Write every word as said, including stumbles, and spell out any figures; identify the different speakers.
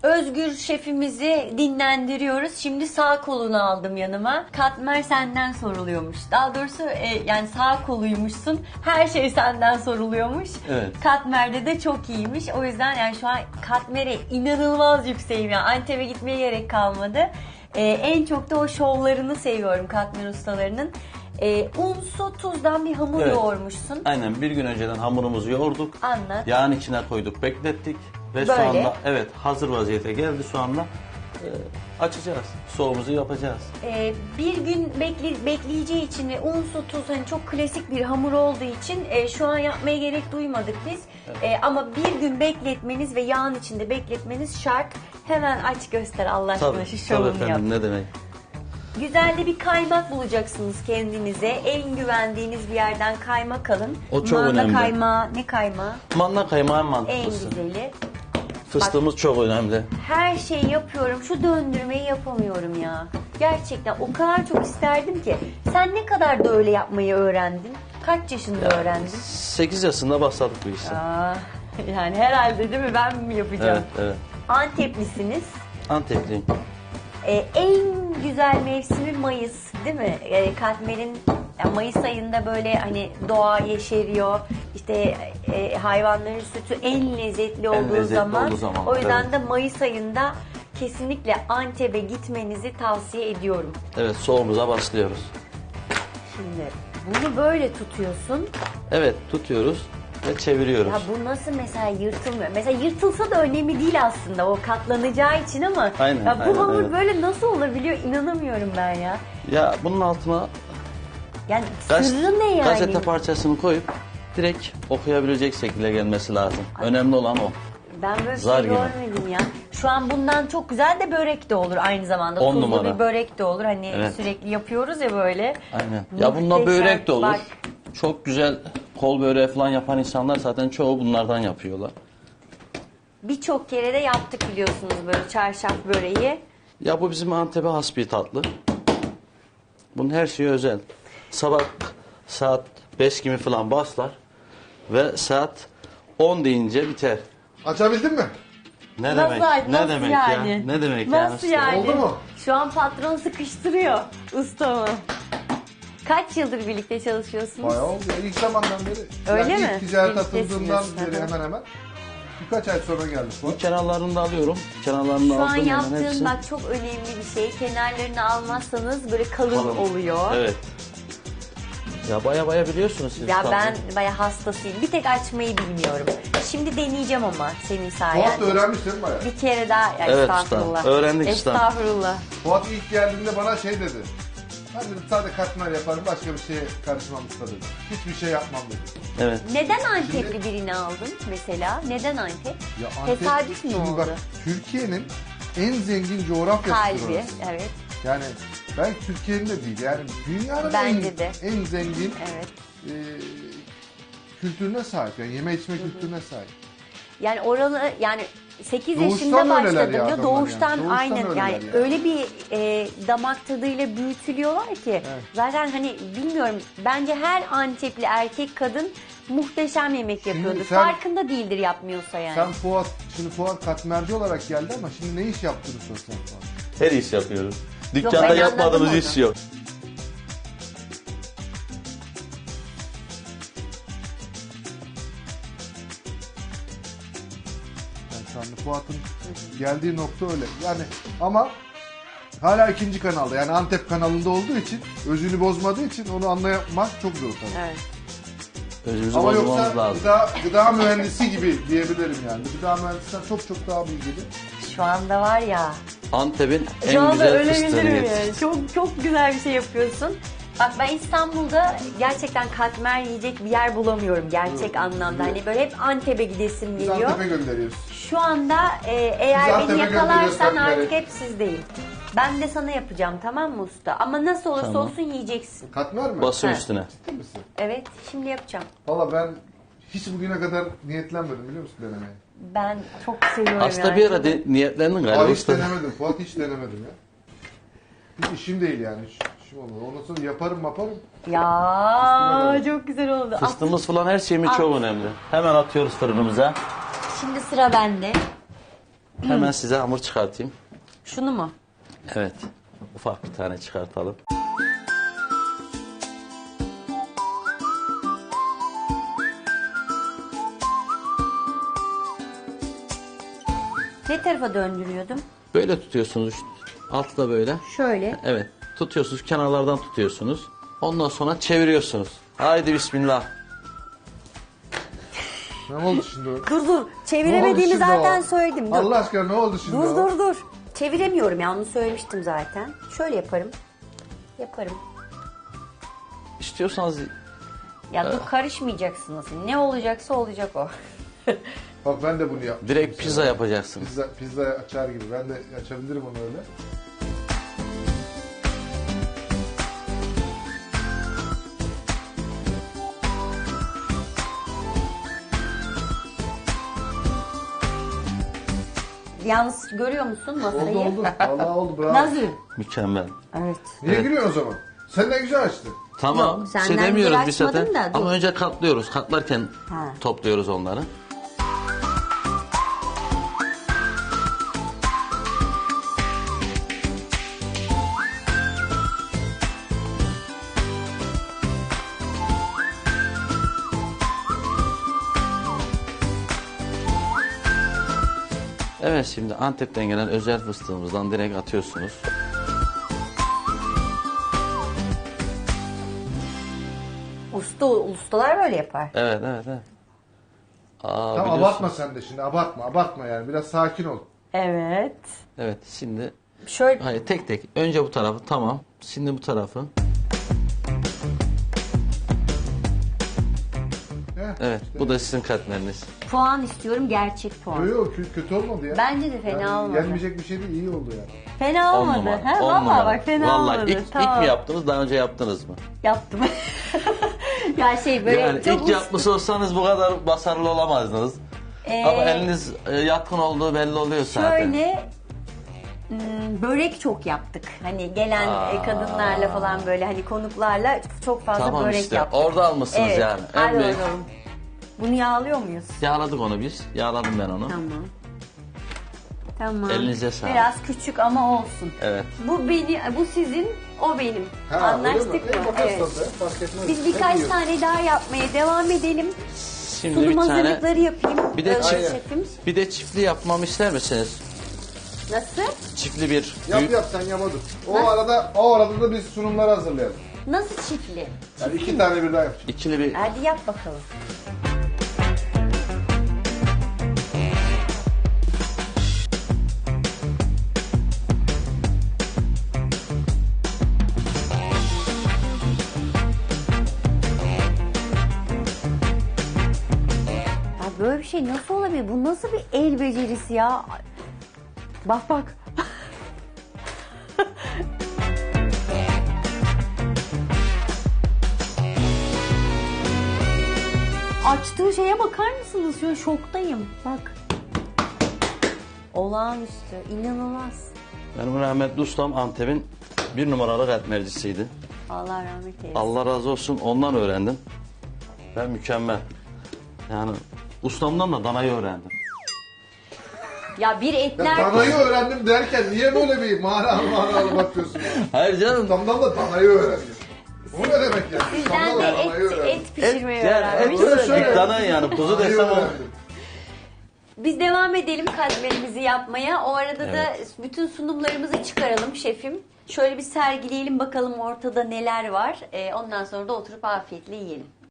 Speaker 1: Özgür şefimizi dinlendiriyoruz. Şimdi sağ kolunu aldım yanıma. Katmer senden soruluyormuş. Daha doğrusu e, yani sağ koluymuşsun. Her şey senden soruluyormuş.
Speaker 2: Evet.
Speaker 1: Katmer'de de çok iyiymiş. O yüzden yani şu an Katmer'e inanılmaz yükseğim ya. Antep'e gitmeye gerek kalmadı. E, en çok da o şovlarını seviyorum Katmer ustalarının. E, un, su, tuzdan bir hamur
Speaker 2: Evet.
Speaker 1: yoğurmuşsun.
Speaker 2: Aynen, bir gün önceden hamurumuzu yoğurduk.
Speaker 1: Anlat.
Speaker 2: Yağın içine koyduk, beklettik. Ve
Speaker 1: Böyle.
Speaker 2: soğanla, evet, hazır vaziyete geldi soğanla. Ee, açacağız. Soğumuzu yapacağız.
Speaker 1: Ee, bir gün bekle, bekleyeceği için ve un, su, tuz hani çok klasik bir hamur olduğu için e, şu an yapmaya gerek duymadık biz. E, ama bir gün bekletmeniz ve yağın içinde bekletmeniz şart. Hemen aç göster Allah aşkına
Speaker 2: Tabii,
Speaker 1: şu
Speaker 2: tabii
Speaker 1: şovunu yap.
Speaker 2: efendim, ne demek.
Speaker 1: Güzel de bir kaymak bulacaksınız kendinize. En güvendiğiniz bir yerden kaymak alın.
Speaker 2: O çok
Speaker 1: Manda
Speaker 2: önemli.
Speaker 1: kaymağı, ne kaymağı?
Speaker 2: Manda kaymağı en
Speaker 1: En
Speaker 2: mantıklısı.
Speaker 1: güzeli.
Speaker 2: Fıstığımız çok önemli.
Speaker 1: Her şeyi yapıyorum. Şu döndürmeyi yapamıyorum ya. Gerçekten o kadar çok isterdim ki. Sen ne kadar da öyle yapmayı öğrendin? Kaç yaşında öğrendin?
Speaker 2: sekiz yaşında başladık bu işe.
Speaker 1: Aa, yani herhalde değil mi? Ben mi yapacağım?
Speaker 2: Evet, evet.
Speaker 1: Anteplisiniz.
Speaker 2: Antepliyim.
Speaker 1: Ee, en güzel mevsimi Mayıs değil mi? Ee, Katmer'in yani Mayıs ayında böyle hani doğa yeşeriyor. İşte e, hayvanların sütü en lezzetli olduğu
Speaker 2: lezzetli
Speaker 1: zaman.
Speaker 2: olduğu zaman,
Speaker 1: O yüzden
Speaker 2: evet.
Speaker 1: de Mayıs ayında kesinlikle Antep'e gitmenizi tavsiye ediyorum.
Speaker 2: Evet, soğumuza başlıyoruz.
Speaker 1: Şimdi bunu böyle tutuyorsun.
Speaker 2: Evet, tutuyoruz ve çeviriyoruz.
Speaker 1: Ya bu nasıl mesela yırtılmıyor? Mesela yırtılsa da önemli değil aslında o katlanacağı için ama
Speaker 2: Aynen,
Speaker 1: ya bu
Speaker 2: aynen,
Speaker 1: hamur
Speaker 2: aynen.
Speaker 1: böyle nasıl olabiliyor inanamıyorum ben ya.
Speaker 2: Ya bunun altına
Speaker 1: Yani
Speaker 2: gaz-
Speaker 1: sırrı ne yani?
Speaker 2: gazete parçasını koyup direkt okuyabilecek şekilde gelmesi lazım. Önemli olan o.
Speaker 1: Ben böyle bir
Speaker 2: Zar
Speaker 1: şey
Speaker 2: gibi.
Speaker 1: görmedim ya. Şu an bundan çok güzel de börek de olur aynı zamanda.
Speaker 2: On
Speaker 1: Tuzlu
Speaker 2: numara.
Speaker 1: bir börek de olur. Hani
Speaker 2: Evet.
Speaker 1: sürekli yapıyoruz ya böyle.
Speaker 2: Aynen. Ya bununla
Speaker 1: Muhteşem.
Speaker 2: börek de olur.
Speaker 1: Bak,
Speaker 2: Çok güzel kol böreği falan yapan insanlar zaten çoğu bunlardan yapıyorlar.
Speaker 1: birçok kere de yaptık biliyorsunuz böyle çarşaf böreği.
Speaker 2: Ya bu bizim Antep'e has bir tatlı. Bunun her şeyi özel. Sabah saat beş gibi falan başlar ve saat on deyince biter.
Speaker 3: Açabildin mi?
Speaker 2: Ne
Speaker 1: Nasıl,
Speaker 2: demek?
Speaker 1: nasıl
Speaker 2: Ne demek
Speaker 1: yani?
Speaker 2: ya? Ne demek
Speaker 1: Nasıl
Speaker 2: yani?
Speaker 1: yani?
Speaker 3: Oldu mu?
Speaker 1: Şu an patron sıkıştırıyor ustamı. Kaç yıldır birlikte çalışıyorsunuz?
Speaker 3: Bayağı oldu ya. İlk zamandan beri.
Speaker 1: Öyle
Speaker 3: yani
Speaker 1: mi?
Speaker 3: İlk ticaret
Speaker 1: Birliktesiniz.
Speaker 3: atıldığından beri
Speaker 1: Hı hı.
Speaker 3: hemen hemen. Birkaç ay sonra geldik bu.
Speaker 2: Bu kenarlarını da alıyorum. Kenarlarını
Speaker 1: Şu an
Speaker 2: aldım.
Speaker 1: yaptığın
Speaker 2: hepsi.
Speaker 1: bak çok önemli bir şey. Kenarlarını almazsanız böyle kalın,
Speaker 2: Kalın.
Speaker 1: oluyor.
Speaker 2: Evet. Ya baya baya biliyorsunuz siz.
Speaker 1: Ya
Speaker 2: tabii.
Speaker 1: ben bayağı hastasıyım. Bir tek açmayı bilmiyorum. Şimdi deneyeceğim ama senin
Speaker 3: Fuat
Speaker 1: sayende.
Speaker 3: da öğrenmiş değil mi bayağı?
Speaker 1: Bir kere daha ya
Speaker 2: Evet
Speaker 1: estağfurullah.
Speaker 2: usta, öğrendik usta.
Speaker 1: Estağfurullah.
Speaker 3: Fuat ilk geldiğinde bana şey dedi. Ben dedim sadece katmer yaparım, başka bir şeye karışmam usta dedi. Hiçbir şey yapmam dedi.
Speaker 2: Evet.
Speaker 1: Neden Antepli birini aldın mesela? Neden Antep?
Speaker 3: Ya Antep,
Speaker 1: Tesadüf mü
Speaker 3: şimdi
Speaker 1: oldu?
Speaker 3: bak Türkiye'nin en zengin coğrafyası
Speaker 1: Kalbi,
Speaker 3: burası.
Speaker 1: evet.
Speaker 3: Yani belki Türkiye'nin de değil. Yani dünyanın
Speaker 1: Bence
Speaker 3: en,
Speaker 1: de.
Speaker 3: en zengin
Speaker 1: Evet.
Speaker 3: e, kültürüne sahip. Yani yeme içme kültürüne sahip.
Speaker 1: Yani oralı yani sekiz
Speaker 3: Doğuştan
Speaker 1: yaşında
Speaker 3: öyleler ya
Speaker 1: başladığında
Speaker 3: adamlar
Speaker 1: doğuştan,
Speaker 3: yani. Doğuştan
Speaker 1: aynen
Speaker 3: öyleler
Speaker 1: yani
Speaker 3: yani.
Speaker 1: öyle bir e, damak tadıyla büyütülüyorlar ki zaten hani bilmiyorum bence her Antepli erkek kadın muhteşem yemek yapıyordur.
Speaker 3: sen-
Speaker 1: Farkında değildir yapmıyorsa yani.
Speaker 3: Sen Fuat, şimdi Fuat katmerci olarak geldi ama şimdi ne iş yaptığını sorsan Fuat.
Speaker 2: Her iş yapıyoruz.
Speaker 1: ben
Speaker 2: Dükkanda
Speaker 1: anladım
Speaker 2: yapmadığımız
Speaker 1: onu.
Speaker 2: iş yok.
Speaker 3: Yani şu anda Fuat'ın geldiği nokta öyle. Yani ama hala ikinci kanalda, yani Antep kanalında olduğu için, özünü bozmadığı için onu anlamak çok zor tabii.
Speaker 1: Evet.
Speaker 2: Özümüzü
Speaker 3: Ama
Speaker 2: bozmamız
Speaker 3: yoksa
Speaker 2: lazım.
Speaker 3: gıda, gıda mühendisi gibi diyebilirim yani. Gıda mühendisinden çok çok daha bilgili.
Speaker 1: Şu anda var ya.
Speaker 2: Antep'in
Speaker 1: Şu
Speaker 2: en
Speaker 1: anda
Speaker 2: güzel
Speaker 1: öyle
Speaker 2: fıstığını
Speaker 1: bilirim
Speaker 2: yetiştirdik.
Speaker 1: yani. Çok çok güzel bir şey yapıyorsun. Bak ben İstanbul'da gerçekten katmer yiyecek bir yer bulamıyorum gerçek anlamda. Hani böyle hep Antep'e gidesim
Speaker 3: Biz
Speaker 1: geliyor.
Speaker 3: Antep'e gönderiyoruz.
Speaker 1: Şu anda e, eğer
Speaker 3: Biz
Speaker 1: beni
Speaker 3: Antep'e
Speaker 1: yakalarsan
Speaker 3: gönderiyoruz katmeri.
Speaker 1: artık hep sizdeyim. Ben de sana yapacağım tamam mı usta? Ama nasıl olursa
Speaker 2: Tamam.
Speaker 1: olsun yiyeceksin.
Speaker 3: Katmer mi?
Speaker 2: Basın
Speaker 1: Ha.
Speaker 2: üstüne.
Speaker 3: Ciddi misin?
Speaker 1: Evet şimdi yapacağım.
Speaker 3: Valla ben hiç bugüne kadar niyetlenmedim biliyor musun denemeye?
Speaker 1: Ben çok seviyorum
Speaker 2: Aslında
Speaker 1: yani.
Speaker 2: bir ara de, niyetlendin galiba.
Speaker 3: Aa, hiç
Speaker 2: usta.
Speaker 3: denemedim. Fuat hiç denemedim ya. Hiç işim değil yani. Hiç işim olmadı. Ondan sonra yaparım yaparım.
Speaker 1: Ya
Speaker 3: Üstüne
Speaker 1: çok güzel oldu. At.
Speaker 2: Fıstığımız falan her şeyimiz
Speaker 1: At.
Speaker 2: çok önemli. Hemen atıyoruz fırınımıza.
Speaker 1: Şimdi sıra bende.
Speaker 2: Hemen size hamur çıkartayım.
Speaker 1: Şunu mu?
Speaker 2: Evet. Ufak bir tane çıkartalım.
Speaker 1: Ne tarafa döndürüyordum?
Speaker 2: Böyle tutuyorsunuz. Altı da böyle.
Speaker 1: Şöyle.
Speaker 2: Evet. Tutuyorsunuz. Kenarlardan tutuyorsunuz. Ondan sonra çeviriyorsunuz. Haydi bismillah.
Speaker 3: Ne oldu şimdi o?
Speaker 1: Dur dur.
Speaker 3: Ne oldu
Speaker 1: Çeviremediğimi
Speaker 3: şimdi
Speaker 1: zaten
Speaker 3: o?
Speaker 1: söyledim. Dur.
Speaker 3: Allah aşkına ne oldu şimdi
Speaker 1: Dur
Speaker 3: o?
Speaker 1: dur dur. Çeviremiyorum ya, onu söylemiştim zaten. Şöyle yaparım. Yaparım.
Speaker 2: İstiyorsanız
Speaker 1: Ya dur, karışmayacaksınız. Ne olacaksa olacak o.
Speaker 3: Bak ben de bunu yaptım.
Speaker 2: direkt pizza yapacaksınız.
Speaker 3: Pizza, pizza açar gibi. Ben de açabilirim onu öyle.
Speaker 1: Yalnız görüyor musun masayı?
Speaker 3: Oldu oldu. Vallahi oldu bravo.
Speaker 1: Nasıl?
Speaker 2: Mükemmel.
Speaker 1: Evet.
Speaker 3: Niye
Speaker 2: Evet.
Speaker 3: gülüyorsun o zaman? Sen ne güzel açtın.
Speaker 2: Tamam.
Speaker 1: Yok,
Speaker 2: bir şey
Speaker 1: senden
Speaker 2: demiyoruz
Speaker 1: bir
Speaker 2: bir zaten.
Speaker 1: açmadım da, dur.
Speaker 2: Ama önce katlıyoruz. Katlarken
Speaker 1: Ha.
Speaker 2: topluyoruz onları. Evet, şimdi Antep'ten gelen özel fıstığımızdan direkt atıyorsunuz.
Speaker 1: Usta, ustalar böyle yapar.
Speaker 2: Evet, evet, evet. Aa,
Speaker 3: Tamam
Speaker 2: biliyorsun.
Speaker 3: abartma sen de şimdi. Abartma abartma yani. Biraz sakin ol.
Speaker 1: Evet.
Speaker 2: Evet, şimdi
Speaker 1: Şöyle
Speaker 2: hayır, tek tek. Önce bu tarafı, tamam. Şimdi bu tarafı.
Speaker 3: Heh,
Speaker 2: Evet,
Speaker 3: işte.
Speaker 2: bu da sizin katmeriniz.
Speaker 1: puan istiyorum, gerçek puan.
Speaker 3: Yok yok kö- kötü olmadı ya.
Speaker 1: Bence de fena
Speaker 3: Yani
Speaker 1: olmadı.
Speaker 3: Yenmeyecek bir şey değil, iyi oldu yani.
Speaker 1: Fena
Speaker 2: On
Speaker 1: olmadı.
Speaker 2: numara.
Speaker 1: Ha,
Speaker 2: on
Speaker 1: vallahi
Speaker 2: numara.
Speaker 1: bak fena
Speaker 2: Vallahi
Speaker 1: olmadı.
Speaker 2: ilk,
Speaker 1: Tamam.
Speaker 2: ilk mi yaptınız, daha önce yaptınız mı?
Speaker 1: Yaptım. ya şey böyle
Speaker 2: Yani
Speaker 1: çok
Speaker 2: ilk
Speaker 1: usta-
Speaker 2: yapmış olsanız bu kadar başarılı olamazdınız.
Speaker 1: Ee,
Speaker 2: Ama eliniz e, yatkın olduğu belli oluyor zaten.
Speaker 1: Şöyle hmm, börek çok yaptık. Hani gelen
Speaker 2: Aa.
Speaker 1: e, kadınlarla falan, böyle hani konuklarla çok fazla
Speaker 2: Tamam
Speaker 1: börek
Speaker 2: işte,
Speaker 1: yaptık.
Speaker 2: orada almışsınız
Speaker 1: Evet.
Speaker 2: yani. En
Speaker 1: Hadi
Speaker 2: büyük-
Speaker 1: bakalım. Bunu yağlıyor muyuz?
Speaker 2: Yağladık onu biz. Yağladım ben onu.
Speaker 1: Tamam. Tamam.
Speaker 2: Elinize sağlık.
Speaker 1: Biraz küçük ama olsun.
Speaker 2: Evet.
Speaker 1: Bu beni, bu sizin, o benim.
Speaker 3: Ha,
Speaker 1: Anlaştık
Speaker 3: öyle mi?
Speaker 1: mı?
Speaker 3: E, bakarız
Speaker 1: Evet.
Speaker 3: tabii, fark etmez.
Speaker 1: Biz
Speaker 3: Hep
Speaker 1: birkaç
Speaker 3: yiyoruz.
Speaker 1: tane daha yapmaya devam edelim.
Speaker 2: Şimdi
Speaker 1: Sunum
Speaker 2: bir tane
Speaker 1: hazırlıkları yapayım.
Speaker 2: Bir de
Speaker 1: Özgür
Speaker 2: çift-
Speaker 1: şefim.
Speaker 2: bir de çiftli yapmamı ister misiniz?
Speaker 1: Nasıl?
Speaker 2: Çiftli bir
Speaker 3: Yap
Speaker 2: büyük-
Speaker 3: yap sen yamadın. O arada o arada da biz sunumları hazırlayalım.
Speaker 1: Nasıl çiftli?
Speaker 3: Yani iki tane birden yapacağız.
Speaker 2: ikili bir
Speaker 1: Hadi yap bakalım. Ya böyle bir şey nasıl olabilir? Bu nasıl bir el becerisi ya? Bak bak. Açtığı şeye bakar mısınız? Şöyle şoktayım. Bak. Olağanüstü, inanılmaz.
Speaker 2: benim rahmetli ustam Antep'in bir numaralı katmercisiydi.
Speaker 1: Allah rahmet eylesin.
Speaker 2: Allah razı olsun, ondan öğrendim. Ben mükemmel. Yani ustamdan da danayı öğrendim.
Speaker 1: Ya bir
Speaker 3: Ya
Speaker 1: etler...
Speaker 3: danayı öğrendim derken niye böyle bir manalı manalı bakıyorsun? ya?
Speaker 2: Hayır canım.
Speaker 3: Ustamdan da danayı öğrendim. Bu ne demek yani?
Speaker 1: Sizden
Speaker 3: Ustamdan
Speaker 1: de
Speaker 3: da danayı
Speaker 1: et,
Speaker 3: öğrendim.
Speaker 1: et
Speaker 2: Et,
Speaker 1: pişirmeyi
Speaker 2: yani
Speaker 1: öğrenmiş.
Speaker 2: et
Speaker 3: Öyle
Speaker 2: de
Speaker 3: söyle.
Speaker 2: dana yani. Kuzu
Speaker 3: Danayı
Speaker 2: desem o.
Speaker 3: öğrendim.
Speaker 1: Biz devam edelim katmerimizi yapmaya. O arada
Speaker 2: Evet.
Speaker 1: da bütün sunumlarımızı çıkaralım şefim. Şöyle bir sergileyelim bakalım ortada neler var. Ee, ondan sonra da oturup afiyetle yiyelim.